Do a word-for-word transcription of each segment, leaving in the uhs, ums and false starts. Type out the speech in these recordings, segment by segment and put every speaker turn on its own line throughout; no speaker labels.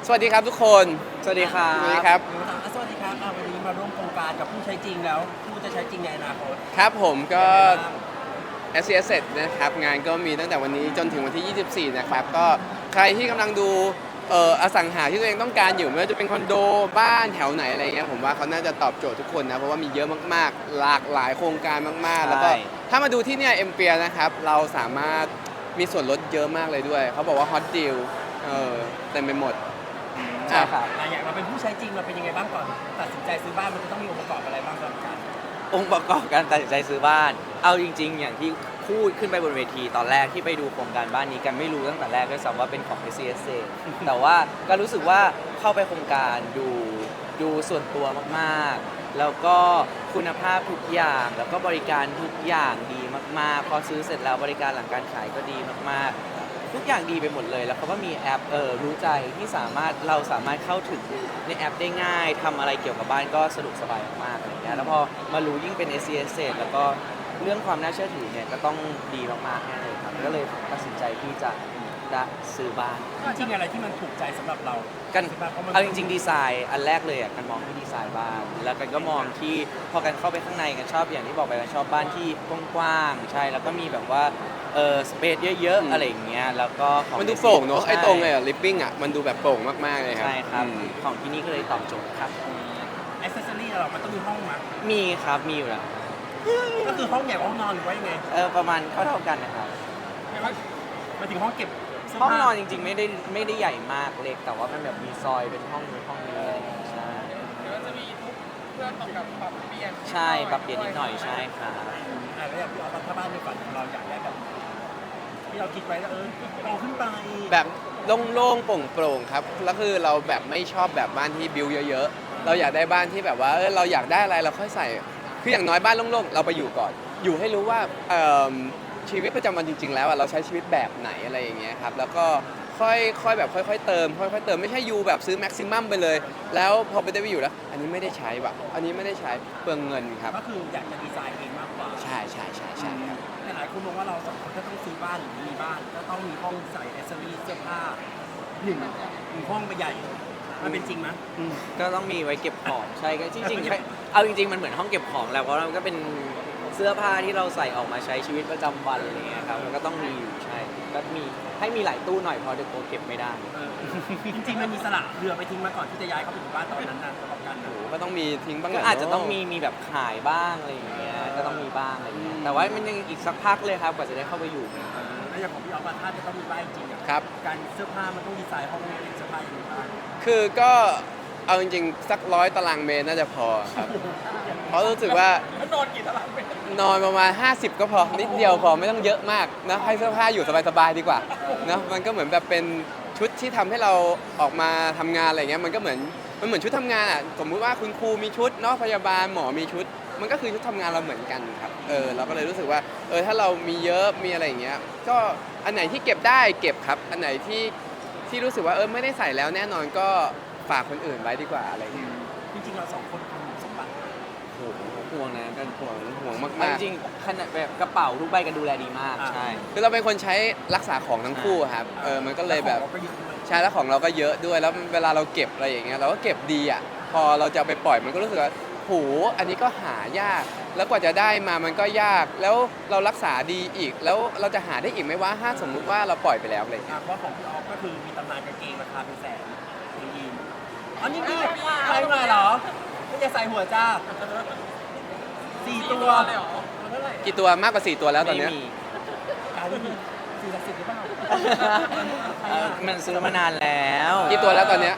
สวัสดีครับทุกคน
สวัสดีครั
สวัสดี
บ
ครับ
สวัสดีครับอ่าวันนี้มาร่วมโครงการกับผู้ใช้จริงแล้วผู้จะใช้จริงในอนาคต
ครับผมก็
ยังไงบ้าง
เอส ซี เอส นะครับงานก็มีตั้งแต่วันนี้จนถึงวันที่ ยี่สิบสี่ นะครับก็ใครที่กำลังดูเอ่ออสังหาที่ตัวเองต้องการอยู่ไม่ว่าจะเป็นคอนโดบ้านแถวไหนอะไรเงี้ยผมว่าเขาน่าจะตอบโจทย์ทุกคนนะเพราะว่ามีเยอะมากๆ หลากหลายโครงการมากๆ แล้วก็ถ้ามาดูที่เนี่ยเอ็มเปียนะครับเราสามารถมีส่วนลดเยอะมากเลยด้วยเขาบอกว่าฮอตดีลเออเต็มไปหมด
ใช่ครับ
อ่ะอย่างเราเป็นผู้ใช้จริงเราเป็นยังไงบ้างก่อนตัดสินใจซื้อบ้านมันจะต้องมีองค์ประกอบอะไรบ้างสำหรับการ
องค์ประกอบการตัดสินใจซื้อบ้าน เอาจริง ๆ อย่างที่พูดขึ้นไปบนเวทีตอนแรกที่ไปดูโครงการบ้านนี้กันไม่รู้ตั้งแต่แรกด้วยซ้ำว่าเป็นของ เอส ซี เอส เอ แต่ว่าก็รู้สึกว่าเข้าไปโครงการดูดูส่วนตัวมากๆ แล้วก็คุณภาพทุกอย่าง แล้วก็บริการทุกอย่างดีมากๆ พอซื้อเสร็จแล้วบริการหลังการขายก็ดีมากๆ ทุกอย่างดีไปหมดเลย แล้วเขาก็มีแอปเออรู้ใจที่สามารถเราสามารถเข้าถึงในแอปได้ง่ายทำอะไรเกี่ยวกับบ้านก็สะดวกสบายมากๆอะไรเงี้ยแล้วพอมารู้ยิ่งเป็น เอส ซี เอส แล้วก็เรื่องความน่าเชื่อถือเนี่ยก็ต้องดีมากๆแน่เลยครับก็เลยตัดสินใจที่จะจะซื้อบ้าน
จริงๆอะไรที่มันถูกใจสำหรับเรา
กัน
ซื้บ้พะมัน
เอาจริงๆดีไซน์อันแรกเลยอ่ะกันมองที่ดีไซน์บ้านแล้วกันก็มองที่พอกันเข้าไปข้างในกันชอบอย่างที่บอกไปกันชอบบ้านที่กว้างๆใช่แล้วก็มีแบบว่าเออสเปซเยอะ
อืม
ๆอะไรอย่างเงี้ยแล้วก็ของ
มันดูโปร่งเนอะ
ใช่
ไอ้ตรงไอ้ลิปปิ้งอ่ะมันดูแบบโปร่งมากๆเลยครับ
ใช่ครับ
อืม
ของที่นี่ก็เลยตอบโจทย์ครับ
แอคเซสซอรี่เรามันต้องมีห้องมั้ย
มีครับมีอยู่แล้ว
ก็คือห้องใหญ่กว่าห้องนอนหรือว่ายังไง
เออประมาณเท่าเท่าๆกันนะครับ
มาถึงห้องเก็บเสื้
ห้อง
ผ้าน
อนจริงๆไม่ได้ไม่ได้ใหญ่มากเล็กแต่ว่ามันแบบมีซอยเป็นห้องนู้นห้องนี้อะไรอย่างเงี้ยใช่
เดี๋ยวจะมีทุกเพื่อตอบกับปรับเปลี่ยน
ใช่ปรับเปลี่ยนนิดหน่อยใช่ครับ
อ่าแล้วอย่างที่เราถ้าบ้านในฝันของเราอยากได้แบบที่เราคิดไว้แล้วเออเราขึ้นไป
แบบโล่งๆโปร่งๆครับแล้วคือเราแบบไม่ชอบแบบบ้านที่บิวเยอะๆเราอยากได้บ้านที่แบบว่าเออเราอยากได้อะไรเราค่อยใส่คืออย่างน้อยบ้านโล่งๆเราไปอยู่ก่อน อยู่ให้รู้ว่าเอิ่มชีวิตประจำวันจริง ๆ แล้วอะเราใช้ชีวิตแบบไหนอะไรอย่างเงี้ยครับแล้วก็ค่อยค่อยแบบค่อยๆเติมค่อยๆเติมไม่ใช่อยู่แบบซื้อแม็กซิมัมไปเลย แล้วพอไปได้ไปอยู่แล้ว อันนี้ไม่ได้ใช้ว่ะอันนี้ไม่ได้ใช้เปลืองเงินครับ
ก็คืออยากจะดีไซน์เองมากกว่า
ใช่ใช่ใช่ใช่ครับ
แต่หลายคนมองว่าเราสองคนถ้าต้องซื้อบ้านหรือมีบ้านก็ต้องมีห้องใส่แอคเซสซอรี่เสื้อผ้าหนึ่งหนึ่งห้องไปใหญ่มันเป็นจริงไหม
ก็ต้องมีไว้เก็บของใช่ก็จริงๆเอาจริงๆมันเหมือนห้องเก็บของแหล้วเพราะมันก็เป็นเสื้อผ้าที่เราใส่ออกมาใช้ชีวิตประจำวันอะไรเงี้ยครับมันก็ต้องมีอยู่ใช่ก็มีให้มีหลายตู้หน่อยเพอเดี๋ยวโกเก็บไม่ได้
เออจริงๆมันมีสละเรือไปทิ้งมาก่อนที่จะย้ายเข้าไปอยู่บ้านตอนนั้นนะสำหรับกันนะ
โอ้โหก็ต้องมีทิ้งบ้างแห
ก็
ละ
อาจจะต้อง
เน
มีมีแบบขายบ้างอะไรอย่างเงี้ยก็ต้องมีบ้างอะไรเงี้ยแต่ว่ามันยังอีกสักพักเลยครับกว่าจะได้เข้าไปอยู่
แล้วอย่างของพี่ออฟอะถ้าจะต้องมีบ้านจริงๆอะ
ครับ
การเสื้อผ้ามันต้องดีไซน์ห้องเก็บเสื้อผ้าอย่างไรบ้าง
คือก็เอาจริงๆสักร้อยตารางเมตรน่าจะพอครับ เพราะรู้สึกว่า
แล้วนอนกี่ตารางเมตร
นอนประมาณ ห้าสิบ ก็พอนิดเดียวพอไม่ต้องเยอะมากนะให้เสื้อผ้าอยู่สบายๆดีกว่านะมันก็เหมือนแบบเป็นชุดที่ทำให้เราออกมาทำงานอะไรเงี้ยมันก็เหมือนมันเหมือนชุดทำงานอ่ะสมมุติว่าคุณครูมีชุดเนาะพยาบาลหมอมีชุด มันก็คือชุดทำงานเราเหมือนกันครับเออเราก็เลยรู้สึกว่าเออถ้าเรามีเยอะมีอะไรอย่างเงี้ยก็อันไหนที่เก็บได้เก็บครับ อันไหนที่ที่รู้สึกว่าเออไม่ได้ใส่แล้วแน่นอนก็ฝากคนอื่นไว้ดีกว่าอะไรเงี้ย
จริงๆเราสองคนคุณสมบัติ
โอ้โหห่วงนะกันห่วงห่วง
เอา
มาก
จริงๆขนาดแบบกระเป๋าทุกใบกันดูแลดีมากใช่
ๆคือเราเป็นคนใช้รักษาของทั้งคู่ครับเออมันก็เลยแบบ
ของราก็เยอะด้วย
ใช้แล้วของเราก็เยอะด้วยแล้วเวลาเราเก็บอะไรอย่างเงี้ยเราก็เก็บดีอ่ะพอเราจะเอาไปปล่อยมันก็รู้สึกว่าโหอันนี้ก็หายาก แล้วกว่าจะได้มามันก็ยาก แล้วเรารักษาดีอีก แล้วเราจะหาได้อีกไหมว่าถ้าสมมุติว่าเราปล่อยไปแล้วอะไรอย่างเงี้ย
อ่ะเพราะของพี่ออฟก็คือมีตำนานกางเกงราคาเป็นแสนเป็นยีนอ๋อนี่นี่ใส่มาเหรอไม่จะใส่หัวจ้าสี่ตัว
เลยเหรอมันเท่าไหร่
กี่ตัวมากกว่าสี่ตัวแล้วตอนเนี้ย
ไม่มี
การนี่สี่สิบสิบหรือเปล่า
เออมันซื้อมานานแล้ว
กี่ตัวแล้วตอนเนี้ย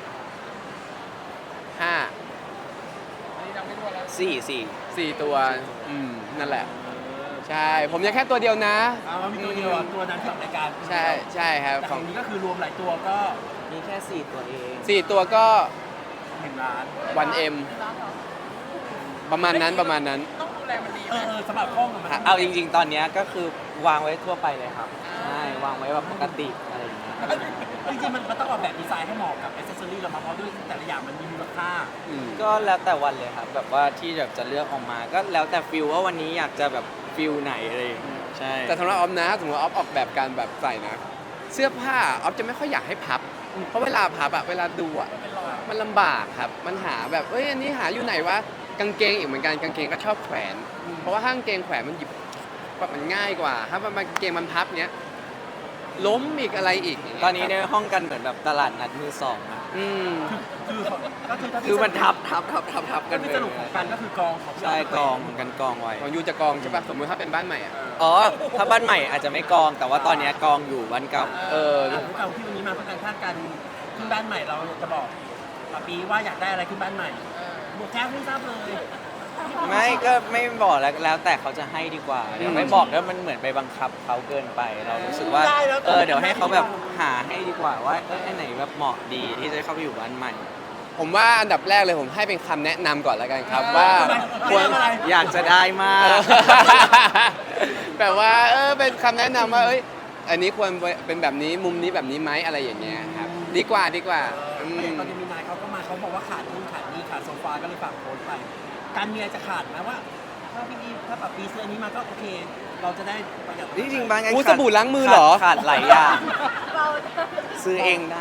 ห้า
อันนี้จำไม่ได้แล้ว
สี่สี่
สี่ตัวอืมนั่นแหละ ใช่ ผมยังแค่ตัวเดียวนะ
เอาว่ามีตัวเดียวอ่ะตัวนั้นที่ออกรายการ
ใช่ใช่ครับ
แต่
ข
ข
อ
อง งนี้ก็คือรวมหลายตัวก็
มีแค่สี่ตัวเอง
สี่ตัวก็
หนึ่งล้าน
วันเอ็มประมาณนั้นประมาณนั้น
ต้องดูแลมันดี
เอ
ไหม
อเออสำหรับห้องอะมัน
เอาจริงๆ ตอนเนี้ยก็คือวางไว้ทั่วไปเลยครับใช่วางไว้แบบปกติอะไรอย่างเงี้ย
จริงๆมันมันต้องออกแบบดีไซน์ให้เหมาะกับอ c เซสซอรี่เรามาเพราะด้วยแต่ละอย่างมันมีมูลค่า
อืม
ก็แล้วแต่วันเลยครับแบบว่าที่แบบจะเลือกออกมา ก็แล้วแต่ฟิลว่าวันนี้อยากจะแบบฟิลไหนอะไรอย่างเงี้ยใช่
แต่สำหรับออฟนะสมมติว่าออฟออกแบบการแบบใส่นะ เสื้อผ้าออฟจะไม่ค่อยอยากให้พับเพราะเวลาพับอะเวลาดูอะมันลำบากครับมันหาแบบเอ้ยอันนี้หาอยู่ไหนวะกางเกงอีกเหมือนกันกางเกงก็ชอบแขวน เพราะว่าถ้ากางเกงแขวนมันหยิบแบบมันง่ายกว่า ถ้ามันกางเกงมันพับเนี้ยล้มอีกอะไรอีกย่างเงี้ย
ตอนนี้ใน
ครับ
ห้องกันเหมือนแบบตลาดนัดมือสองอะ
อืม
คือก็คือถ้า
คือมันทับทับทับทับทับ
ก็
กัน
คือ
ไป
สรุปของกันก็คือกองของพี่
ใช่
ฟ
กองกันกองไว้
ของยูจะกองใช่ป่ะสมมติถ้าเป็นบ้านใหม่อะ
อ๋อ ถ้าบ้านใหม่อาจจะไม่กอง แต่ว่าตอนเนี้ยกองอยู่บ้านเก่า
เออ
อ่ะพวกเราที่วันนี้มาเพื่อการคาดการณ์ขึ้นบ้านใหม่เราจะบอกปาปีว่าอยากได้อะไรขึ้นบ้านใหม่หมวกแก๊ปไม่ทราบเลย
ไม่ก็ไม่บอกแล้วแล้วแต่เขาจะให้ดีกว่าเดี๋ยวไม่บอกแล้วมันเหมือนไปบังคับเขาเกินไป เรารู้สึกว่าเออเดี๋ยวให้เขาแบบหาให้ดีกว่าว่าเอออันไหนแบบเหมาะดีที่จะเข้าไปอยู่บ้านใหม่
ผมว่าอันดับแรกเลยผมให้เป็นคำแนะนำก่อนแล้วกันครับว่า
ทำไม
ควร
ทำอะไร
อยากจะได้มาก
แบบว่าเออเป็นคำแนะนำว่าเอ้ยอันนี้ควรเป็นแบบนี้มุมนี้แบบนี้ไหมอะไรอย่างเงี้ยครับดีกว่าดีกว่าอื
เออ
ม
ตอนนี้มีนายเขาก็มาเขาบอกว่าขาดนู่นขาดนี่ขาดโซฟาก็เลยฝากโพสต์ไป การเมียจะขาดไหมว่า ถ้าพี่อีถ้าปาปีซื้ออันนี้มาก็โอเค เราจะได้ประหยัด
จริงๆบางอัน
อู้
ขาด
สบู่ล้างมือเหรอ
ขาดขาดหลายอย่างซื้อเองได้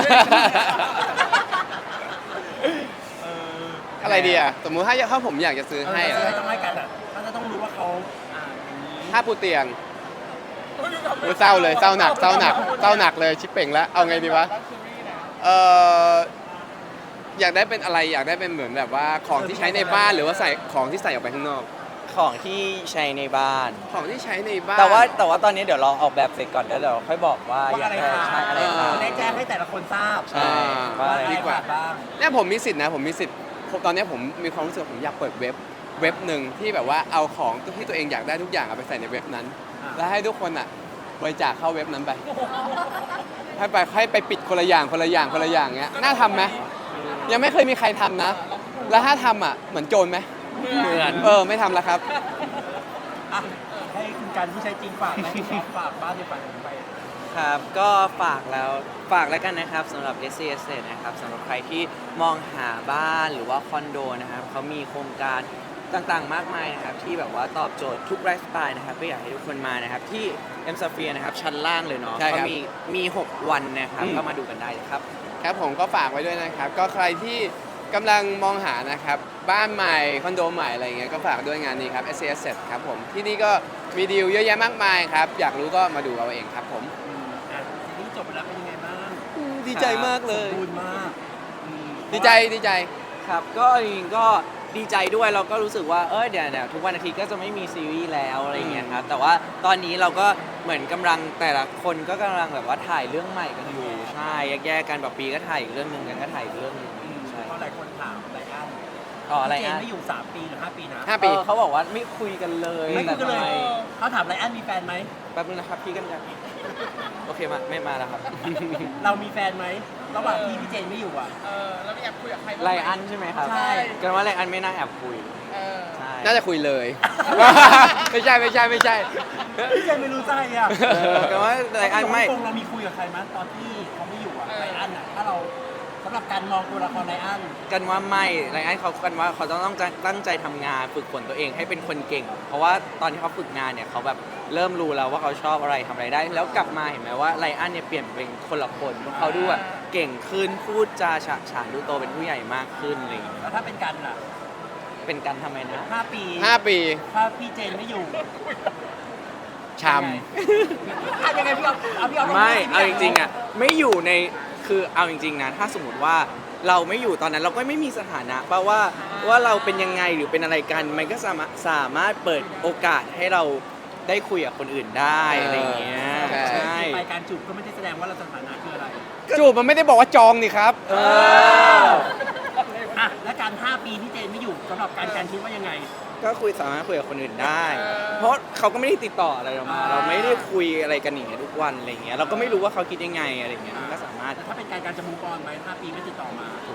เออ
อะไรดีอ่ะสมมุติถ้าถ้าผมอยากจะซื้อ
เออ
ให้
จะ
อะ
ซื้อให้ต้องให้กันอ่ะถ้าจะต้องรู้ว่าเขาอ่าอย่างนี้
ถ้าปูเตียงอู้เศร้าเลยเศร้าหนักเศร้าหนักเศร้าหนักเลยชิปเป่งแล้วเอาไงดีวะเอออยากได้เป็นอะไรอยากได้เป็นเหมือนแบบว่าของที่ใช้ในบ้านหรือว่าใส่ของที่ใส่ออกไปข้างนอก
ของที่ใช้ในบ้าน
ของที่ใช้ในบ้าน
แต่ว่าแต่ว่าตอนนี้เดี๋ยวลองออกแบบเสร็จก่อนแล้วเดี๋ยวค่อยบอกว่า
ว่า
อยา
อะ
ก
ไร
ได้
ขาด
ใช้อะไร
เอ
ขา
อ
ด
จะได้แจ้งให้แต่ละคนทราบ
ใช่
ว่า
ว่า
อะไร
ดีกว่า
ขาดบ้าง
เนี่ยผมมีสิทธิ์นะผมมีสิทธิ์ผมตอนเนี้ยผมมีความรู้สึกว่าผมอยากเปิดเว็บเว็บหนึ่งที่แบบว่าเอาของที่ตัวเองอยากได้ทุกอย่างเอาไปใส่ในเว็บนั้น
อ่า
แล้วให้ทุกคนอ่ะบริจาคเข้าเว็บนั้นไป ให้ไปให้ไปปิดคนละอย่างคนละอย่างคนละอย่างเงี้ยน่าทำไหมยังไม่เคยมีใครทำนะ แล้วถ้าทำอ่ะเหมือนโจรไหม
เหมือน
เออไม่ทำแล้วครับ
อ่ะให้คุณการผู้ใช้จริงฝากไหมฝากบ้านในฝันผมไป
ครับก็ฝากแล้วฝากแล้วกันนะครับสำหรับ เอส ซี เอส นะครับสำหรับใครที่มองหาบ้านหรือว่าคอนโดนะครับเขามีโครงการต่างๆ มากมายนะครับที่แบบว่าตอบโจทย์ทุกไลฟ์สไตล์นะครับก็อยากให้ทุกคนมานะครับที่ M Sphere นะครับชั้นล่างเลยเนาะ
ใช่ครับ
ก็มีมี หก วันนะครับ
อืม
ก็มาดูกันได้เลยครับ
ครับผมก็ฝากไว้ด้วยนะครับ ก็ใครที่กำลังมองหานะครับบ้านใหม่คอนโดใหม่อะไรเงี้ยก็ฝากด้วยงานนี้ครับ เอส ซี เอส ครับผมที่นี่ก็มีดีลเยอะแยะมากมายครับอยากรู้ก็มาดูเอาเองครับผม
อืมอ่ะซีรีส์จบไปแล้วเป็นยังไงบ้าง
ดีใจมากเลย
สมบูรณ์มากอืม
ดีใจดีใจ
ครับก็จริงๆก็ดีใจด้วยเราก็รู้สึกว่าเออเดี๋ยวเดี๋ยวทุกวันอาทิตย์ก็จะไม่มีซีรีส์แล้วอะไรอย่างเงี้ยครับแต่ว่าตอนนี้เราก็เหมือนกำลังแต่ละคนก็กำลังแบบว่าถ่ายเรื่องใหม่กันอยู่ใช่แยกๆกันแบบปีก็ถ่ายอีกเรื่องหนึ่งกันก็ถ่ายอีกเรื่องหนึ่ง
อืม
ใช่
เพราะหลายคนถามไรอัน
อ๋ออะไร
พี่เจน
อ่ะ
ไม่อยู่สามปีหรือห้าปีนะ
ห้า
เออเขาบอกว่าไม่คุยกันเลย
ไม่คุยกันเลย
แต่ทำไม
เขาถามไรอันมีแฟนไหม
แป๊บนึงนะครับพี่กันยังโอเคมาไม่มาแล้วครับ
เรามีแฟนไหมระหว่างที่พี่เจนไม่อยู่อ่ะ
เออแล้วมีแอบคุยกับใครบ้าง
ไล
หม
อันใช่ไหมครับ
ใช่
กันว่าไลอันไม่น่าแอบคุย
เออ
ใช่
น่าจะคุยเลย ไม่ใช่ไม่ใช่ไม่ใช่
พี่เจนไม่รู้ใจอ่ะ
เออกันว่าไลอันไม่
ตรงเรามีคุยกับใครไหมตอนที่เขาไม่อยู่อ่ะไรอันอ่ะถ้าเราสำหรับการมองตัวละครไรอัน
กันว่าไม่ไลอ้อนเขากันว่าเขาต้องต้องตั้งใจทำงานฝึกฝนตัวเองให้เป็นคนเก่ง เพราะว่าตอนที่เขาฝึกงานเนี่ยเขาแบบเริ่มรู้แล้วว่าเขาชอบอะไรทำอะไรได้ แล้วกลับมาเห็นไหมว่าไลอ้อนเนี่ยเปลี่ยนเป็นคนละคนเพราะเขาดูแบบเก่งขึ้นพูดจาฉะฉานดูโตเป็นผู้ใหญ่มากขึ้นอะไรอย่างเงี้ย
แล้วถ้าเป็นกันล่ะ
เป็นกันทำไมนะ
ห้าปี
ห้าปี
ถ้าพี่เจนไม่อยู่
ช
อ่ะยังไงพี่เอาเอาพี่เอา
ไม่เอาจริงๆอ่ะไม่อยู่ในคือเอาจริงๆนะถ้าสมมติว่าเราไม่อยู่ตอนนั้นเราก็ไม่มีสถานะเพราะว่าว่าเราเป็นยังไงหรือเป็นอะไรกัน มันก็สามารถสามารถเปิดโอกาสให้เราได้คุยกับคนอื่นได้อะไรอย่างเงี้ยใช่
ไปการจูบก็ไม่ได้แสดงว่าเราสถานะคืออะไร
ำจูบมันไม่ได้บอกว่าจองนี่ครับ
เออ
อ่ะและการห้าปีพี่เจนไม่อยู่สำหรับการการคิดว่ายังไง
ก็คุยสามารถคุยกับคนอื่นได้ เพราะเขาก็ไม่ได้ติดต่ออะไรเรามา เราไม่ได้คุยอะไรกันอย่างเงี้ยทุกวันอะไรเงี้ยเราก็ไม่รู้ว่าเขาคิดยังไงอะไรเงี้ยมันก็สามารถ
แต่ถ้าเป็นการการจะมูฟออนไหมห้าปีไม่ติดต่อมา
โอ้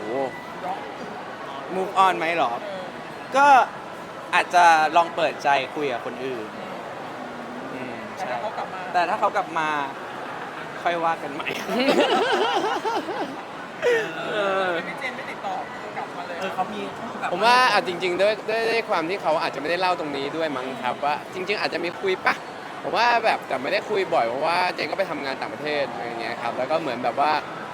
move on ไหมหรอ ก็อาจจะลองเปิดใจคุยกับคนอื่นอืม
แต่
ใช่
ถ้าเขากลับมา
แต่ถ้าเขากลับมาค่อยว่ากันใหม่ เออ
พี่เจนไม่ติดต่อกลับมาเลย
เออเขามีคู่กับ
ผมว่าอ่ะจริง ๆ ด้วยด้วยด้วยความที่เขาอาจจะไม่ได้เล่าตรงนี้ด้วยมั้งครับว่าจริง ๆ อาจจะมีคุยปะผมว่าแบบแต่ไม่ได้คุยบ่อยเพราะว่าเจนก็ไปทำงานต่างประเทศอะไรอย่างเงี้ยครับแล้วก็เหมือนแบบว่า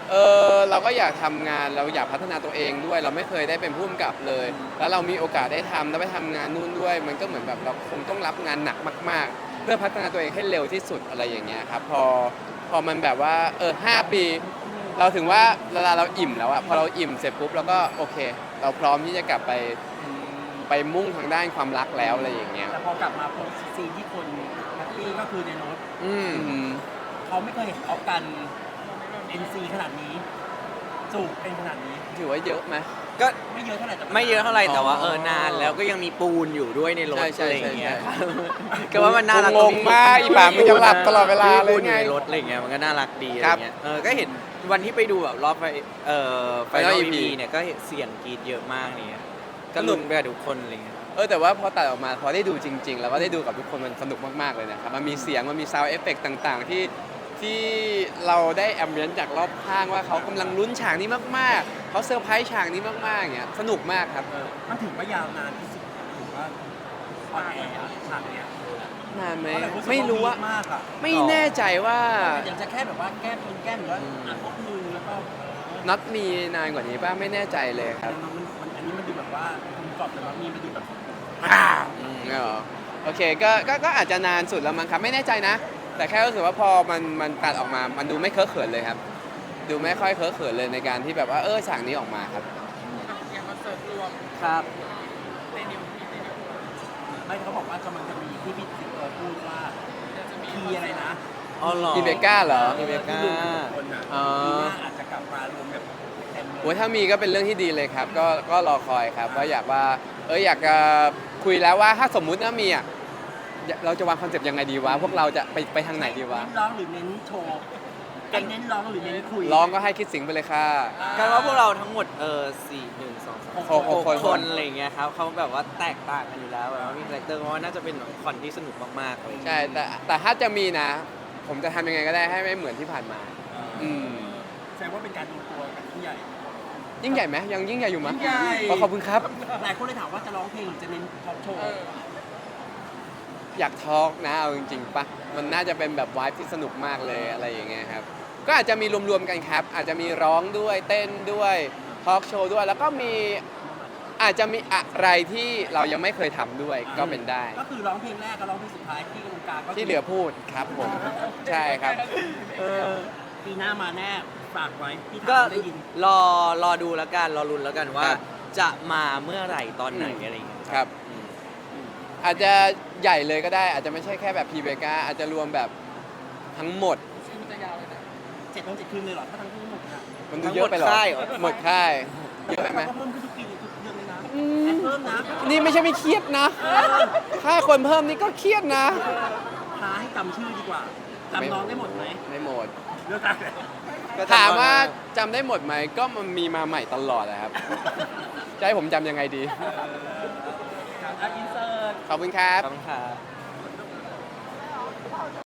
เออเราก็อยากทำงานเราอยากพัฒนาตัวเองด้วย เราไม่เคยได้เป็นผู้กำกับเลย แล้วเรามีโอกาสได้ทำแล้วไปทำงานนู่นด้วย มันก็เหมือนแบบเราคงต้องรับงานหนักมาก ๆ เพื่อพัฒนาตัวเองให้เร็วที่สุดอะไรอย่างเงี้ยครับพอพอมันแบบว่าเออห้าปี เราถึงว่าเวลาเราอิ่มแล้วอะพอเราอิ่มเสร็จปุ๊บเราก็โอเค เราพร้อมที่จะกลับไปไปมุ่งทางด้านความรักแล้วอะไรอย่างเงี้ย
แต่พอกลับมาพบซีนที่คนแฮปปี้ก็คือในรถ
อืม
เขาไม่เคยเห็นออฟกัน เอ็น ซี ขนาดนี้จูบเป็นขนาดนี้
ถือว่าเยอะไหม
ก็
ไม่เยอะเท่าไหร่แต่
ไม่เยอะเท่าไหร่แต่ว่า
อ๋อ
เออนานแล้วก็ยังมีปูนอยู่ด้วยในรถ
ใช่ใช่
อะไรอย่างเงี้ย
ใช่
ก็ว่ามันน่ารัก
งงมากอีป่ามึงจะหลับตลอดเวลาเลย
ปูนอยู่
ไง
ในรถอะไรอย่างเงี้ยมันก็น่ารักดีอะไร
ครับ
เงี้ยเออก็เห็นวันที่ไปดูแบบรอบไปเอ่อไฟนอ
Final
ล
อี
อี
พี
พีเนี่ยก็เห็นเสียงกรีดเยอะมากเนี่ยก็ลุ้นไปกับทุกคนอะไรเงี้ย
เออแต่ว่าพอตัดออกมาพอได้ดูจริง ๆ แล้วก็ได้ดูกับทุกคนมันสนุกมาก ๆ เลยนะครับ มันมีเสียงมันมีซาวด์เอฟเฟกต่างๆ ที่ที่เราได้แอมเบียนจากรอบข้างว่าเขากำลังลุ้นฉากนี้มากๆ เขาเซอร์ไพรส์ฉากนี้มากๆอย่างเงี้ยสนุกมากครับ
เออมันถือว่ายาวนานที่สุดถือว่าออนแอร์อะฉากเนี้ย
นานไหม
เพราะแบบรู้สึก
ไม่รู้ว่า
วีคมากอะ
ไม่แน่ใจว่า
อยากจะแค่แบบว่าแก้ปืนแก้หรือว่าอ่ะพวกมือแล้วก็
น็อตมีนานกว่านี้ป่ะไม่แน่ใจเลยครับ
มันมันอันนี้มันดูแบบว่าคุณกรอบแต่ว่ามีมันดูแบบ
อืมอ๋อโอเคก็ก็ก็อาจจะนานสุดแล้วมั้งครับไม่แน่ใจนะ แต่แค่รู้สึกว่าพอมันมันตัดออกมา มันดูไม่เคอะเขินเลยครับ ดูไม่ค่อยเคอะเขินเลยในการที่แบบว่าเออฉากนี้ออกมาครับ
อย่างคอนเสิร์ตรวม
ครับ
ในนิวในนิว
ไม่เขาบอกว่ากำลังจะมีที่พี่สิงโตพูดว่าทีอะไรนะ
อ๋อเหรอ
อีเบก้าเหรอ
อีเบก้า
ที่รวมคนอ่ะ
อ๋อ
ปีหน้าอาจจะกลับมารวมแบบเต็มเลย
โอ้ยถ้ามีก็เป็นเรื่องที่ดีเลยครับ ก็ก็รอคอยครับว่าอยากว่าเอออยากจะคุยแล้วว่าถ้าสมมุติว่ามีอ่ะอยากเราจะวางคอนเซปต์ยังไงดีวะพวกเราจะไปไปทางไหนดีวะ
เน้นร้องหรือเน้นโชว์กันเน้นร้องหรือเน้นคุย
ร้องก็ให้คิดสิงไปเลยค่ะ
กันว่าพวกเราทั้งหมดเออสี่หนึ่งสองสาม
หกหกคน
คนอะไรอย่างเงี้ยครับเขาแบบว่าแตกต่างกันอยู่แล้วแบบว่ามีคาแรคเตอร์เพราะว่าน่าจะเป็นคอนที่สนุกมากๆเลย
ใช่แต่แต่ถ้าจะมีนะ ผมจะทำยังไงก็ได้ให้ไม่เหมือนที่ผ่านมา อืม
แสดงว่าเป็นการรวมตัวกันที่ใหญ่
ยิ่งใหญ่ไหมยังยิ่งใหญ่อยู่มั้ย
ยิ่งใหญ่
ขอขอบคุณครับ
หลายคนเลยถามว่าจะร้องเพลงหรือจะเน้นท็อปโชว์
อยากทอล์กนะเอาจริงๆปะมันน่าจะเป็นแบบวายที่สนุกมากเลยอะไรอย่างเงี้ยครับ ก็อาจจะมีรวมๆกันครับ อาจจะมีร้องด้วยเต้นด้วยทอล์กโชว์ด้วย แล้วก็มีอาจจะมีอะไรที่เรายังไม่เคยทำด้วยก็เป็นได้
ก็คือร้องเพลงแรกกับร้องเพลงสุดท้ายที่กรรมการก็คื
ที่เหลือพูดครับผม ใช่ครับ
เออ
ปีหน้ามาแน่ฝากไว้ที่
ก็
ถามได้ยิน
รอรอดูแล้วกันรอรุนแล้วกันว่า
ครับ
จะมาเมื่อไหร่ตอนไหน
อืม
อะไรอย่างเงี้ย
ครับ
อืม
อาจจะใหญ่เลยก็ได้ อาจจะไม่ใช่แค่แบบพีเบกาอาจจะรวมแบบทั้งหมด
ชื่อมันจะยาวเลยนะ
เจ็ดวันเจ็ดคืนเลยเหรอถ้าทั้งทั้งหมดอ่ะ
มันดูเยอะไปเหรอ
ทั้งหมดค่ายเหรอ
หมดค่ายเยอะไปไหม
เราก็เพิ่มขึ้นทุกปีทุกเดือนเลยนะ
อืม
แอดเพิ่มนะ
นี่ไม่ใช่ไม่เครียดนะ ค่าคนเพิ่มนี่ก็เครียดนะ
หาให้จำชื่อดีกว่าจำน้องได้หมดไหม
ไม่หมด
เลือกกัน
ก็
ถามว่า
จำได้
จำได้หมดไหมก็มันมีมาใหม่ตลอดนะครับ จะให้ผมจำยังไงดี
อ่ะอินเสิร์ต
ขอบคุณครับ
ขอบคุณครับ